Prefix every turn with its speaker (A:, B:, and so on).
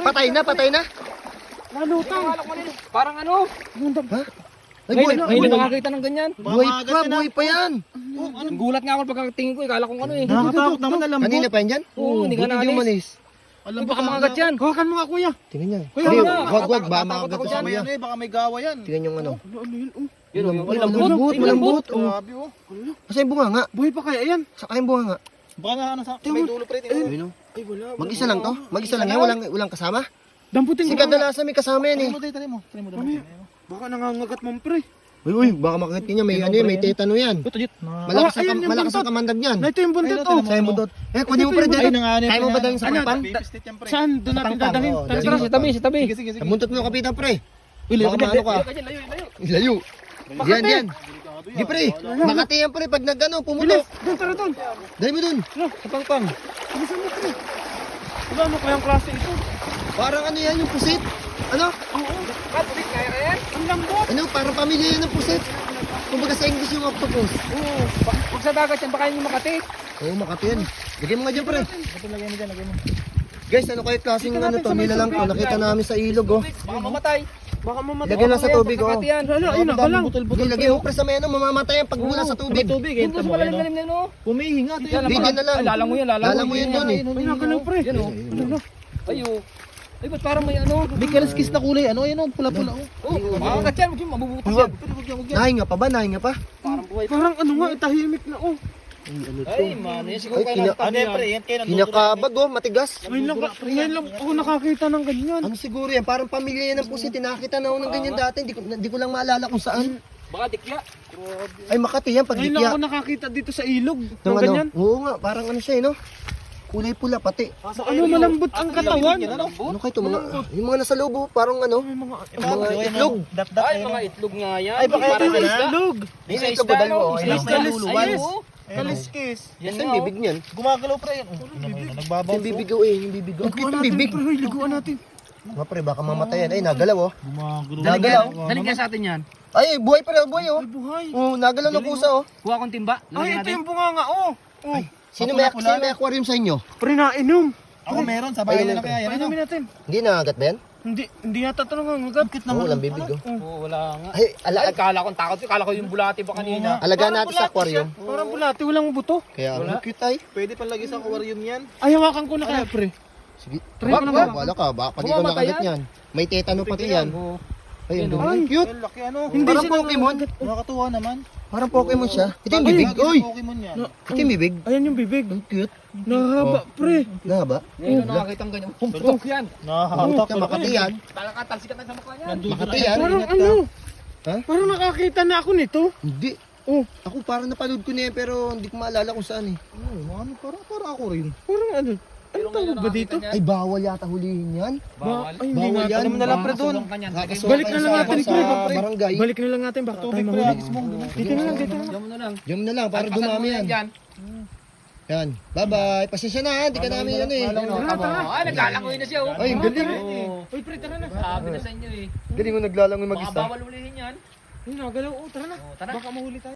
A: Patay na, patay na.
B: Nalutang.
C: Parang ano?
A: Ha? Ay,
C: Ngayon nakakita ng ganyan.
A: buhay pa yan.
C: Gulat nga ako pagkatingin ko, kala kong ano eh.
B: Nakakatakot naman na lambot.
A: Kanina pa yan dyan?
C: Oo, hindi ka
A: Buti di
C: naalis.
A: umalis.
C: Ay, baka makagat yan.
B: Hawakan mo nga kuya.
A: Tingnan niya.
B: Kuya,
A: Hindi,
B: wag
A: wag, baka
C: Tatakot
A: makagat
C: ako
A: sa
C: dyan.
A: kuya.
D: Baka may gawa yan.
A: Tingnan yung ano.
B: Ano yun?
C: Yun, yung
A: Malambot, malambot.
D: Grabe oh.
A: Kasi yung bunga nga.
B: Buhay pa kaya yan?
A: Saka yung bunga nga.
D: Baka nga ano sa may dulo pre.
A: Ayun, oh.
B: Ay wala.
A: Mag-isa lang to? Mag-isa lang yan? Walang kasama?
B: Damputin
A: Si
B: ko.
A: kadalasan may kasama yan eh.
D: Try mo.
B: Mamaya. Baka nangangagat mo pre.
A: Uy, baka makakit niya. May ano yan, may tetano yan. Malakas
B: ayun yung
A: ang
B: buntot.
A: kamandag niyan.
B: Na ito yung buntot oh.
A: Sa'yo mo dot. Kunin mo pa rin dito. Kaya mo ba dalhin sa
B: Ano?
A: pangpan?
D: Pistit yan pre.
B: Saan? Doon natin
A: Pangpang,
B: dadalhin.
A: oo,
B: Tara,
C: Sige,
B: tara.
C: sa tabi, sa tabi.
D: Sige.
A: Muntot mo kapitan pre.
B: Layo,
A: Baka maano ka.
C: Layo.
A: Layo. Yan. Di pre. Makati yan pre pag nagano pumutok.
B: Doon, tara doon.
A: Dali mo dun.
B: Sa pangpang. Bilisan mo pre. Wala ano kayang klase ito?
A: Parang ano yan yung pusit. Ano?
C: Patrick, kaya yan?
B: Ang lambot.
A: Ano? Parang pamilya yan ng pusit. Kumbaga sa English yung octopus.
C: Oo. Pag sa dagat yan, baka yun yung Makati.
A: Oo, Makati yan. Lagyan mo nga dyan pre.
D: Lagyan mo dyan.
A: Guys, ano kayo klaseng ano to? Nilalang to. Nakita namin sa ilog oh.
C: Baka mamatay.
B: Baka mamatay.
A: Lagyan lang sa tubig oh.
C: Makati yan.
B: Ano, ayun na, lang.
A: Hindi, lagyan mo pre sa may ano. Mamamatay yan pag wala sa tubig.
C: Yung puso malalim-lalim na yun, oh.
D: Pumihinga.
A: Hindi, dyan na lang.
C: Ay, lalang mo yan,
A: Lalang mo yun dun eh.
B: Ay, nakalaw pre.
C: Yan, oh. Ay, oh. Ay, ba't parang may ano?
D: May kaliskis na kulay. Ano yan oh? Pula-pula oh.
C: Oh, makakagat yan. Huwag yung mabubutas yan.
A: Nahinga pa ba? Nahinga pa?
C: Parang buhay.
B: Parang ano nga, tahimik na oh.
C: Ay, man. Yan siguro
A: Ay,
C: kayo
D: Ano yan pre? Yan kayo
A: Kinakabag oh, matigas.
B: Ngayon lang ako nakakita ng ganyan.
A: Ano siguro yan? Parang pamilya yan ng pusit. Tinakita na ako ng ganyan dati. Hindi ko lang maalala kung saan.
C: Baka dikya.
A: Ay, Makati yan.
B: Ngayon lang
A: Pagdikya.
B: ako nakakita dito sa ilog.
A: Ng
B: Ng
A: ano?
B: ganyan.
A: Oo nga, parang ano siya eh, no? Kulay pula pati.
B: Ano, malambot ang katawan.
A: Ano kayo ito? Yung mga nasa loob, oh, parang ano?
B: May mga
A: Mga itlog.
C: Ay, mga itlog nga yan.
D: Ay, baka
C: Parang
D: ito na.
C: isda.
B: ilog.
A: Yung
C: Isa
A: ito ba
C: isda,
A: dalawa?
C: no?
A: Oh,
C: Isa
A: ayun.
C: isda.
D: Luluwan.
C: Ayun, oh.
D: Kaliskis.
C: Yan
A: Saan
C: nga,
A: yung bibig niyan?
D: Gumagalaw pre yan. Nagbabaw.
A: Yung bibigaw eh, yung bibigaw. Ang cute ng bibig.
B: Pre, liguan natin.
A: Mga pre, baka mamatayan. Ay, nagalaw oh.
D: Gumagalaw.
A: Nagalaw.
C: Daling kaya sa atin yan.
A: Ay, buhay pa rin, buhay oh.
B: Ay, buhay.
A: Oo, nagalaw na pusa oh.
C: Kuha kong timba.
B: Ay, ito yung bunganga oh. Oh,
A: Sino may aquarium sa inyo?
B: pre nainom.
D: Ako meron. Sa bahay na kaya yan. Ano?
B: Painumin natin.
A: Hindi nakagat ba yan?
B: Hindi yata ito nangangagat.
A: Oo, walang bibig oh.
C: Oo, wala nga.
A: Ay,
C: Ay, kala kong takot. Kala ko yung bulati pa kanina.
A: alagaan natin sa aquarium.
B: Parang bulati, walang buto.
A: Kaya,
C: Wala.
A: ang cute ay.
D: Pwede pang lagi sa aquarium yan.
B: Ay, hawakan ko na kaya pre.
A: Sige.
B: Try ko na ba?
A: Wala ka, baka pag ikaw
C: Bumamatay
A: nakagat yan. May tetano pati yan.
C: Oo.
A: Ay, ang
C: Yun, oh.
A: dumi. Cute.
D: Ang laki ano.
B: Hindi
A: Parang
B: siya
A: Pokemon.
D: Nakakatuwa naman.
A: Parang Pokemon siya. Ito yung bibig.
D: Lagi
A: Uy!
D: sa Pokemon yan.
A: Ito yung bibig.
B: Ayan yung bibig.
A: Ang cute.
B: Nahaba pre.
A: Nahaba.
C: Ngayon na nakakita ang ganyan. Pumpok yan.
D: Nakakatak.
A: Ito, Makati yan.
C: Talsikat na sa mukha niyan.
A: Makati yan.
B: Parang ano?
A: Ha?
B: Parang nakakita na ako nito.
A: Hindi.
B: Oh,
A: Ako parang napanood ko na yan pero hindi ko maalala kung saan eh.
D: Ano, parang ako rin.
B: parang ano? Ano tawag ba dito?
A: Ay, bawal yata hulihin yan.
C: Bawal.
B: Ay, hindi
A: Bawal
B: nga.
A: yan.
D: Alam mo na lang pre doon.
A: Kakasuhan
B: Balik
A: kayo
B: na lang
A: sa-
B: natin,
A: sa
B: pre.
A: barangay.
B: Balik na lang natin, baka tayo
D: Tubig pre.
B: mahuli.
D: Agis mo.
B: Dito na lang, dito na lang.
C: Diyan mo na lang.
A: Diyan na lang para dumami yan. Yan. Bye-bye. Pasensya na ha. Hindi ka namin ano eh.
C: Ay, naglalangoy na siya. oh.
A: Ay, ang galing.
B: Uy, pre, tara na.
C: Sabi na sa inyo eh.
A: Galing mo naglalangoy
C: Baka
A: mag-isa.
C: bawal ulihin yan.
B: Ay, nagalaw. Oh, tara na.
C: Oh, tara.
B: Baka mahuli tayo.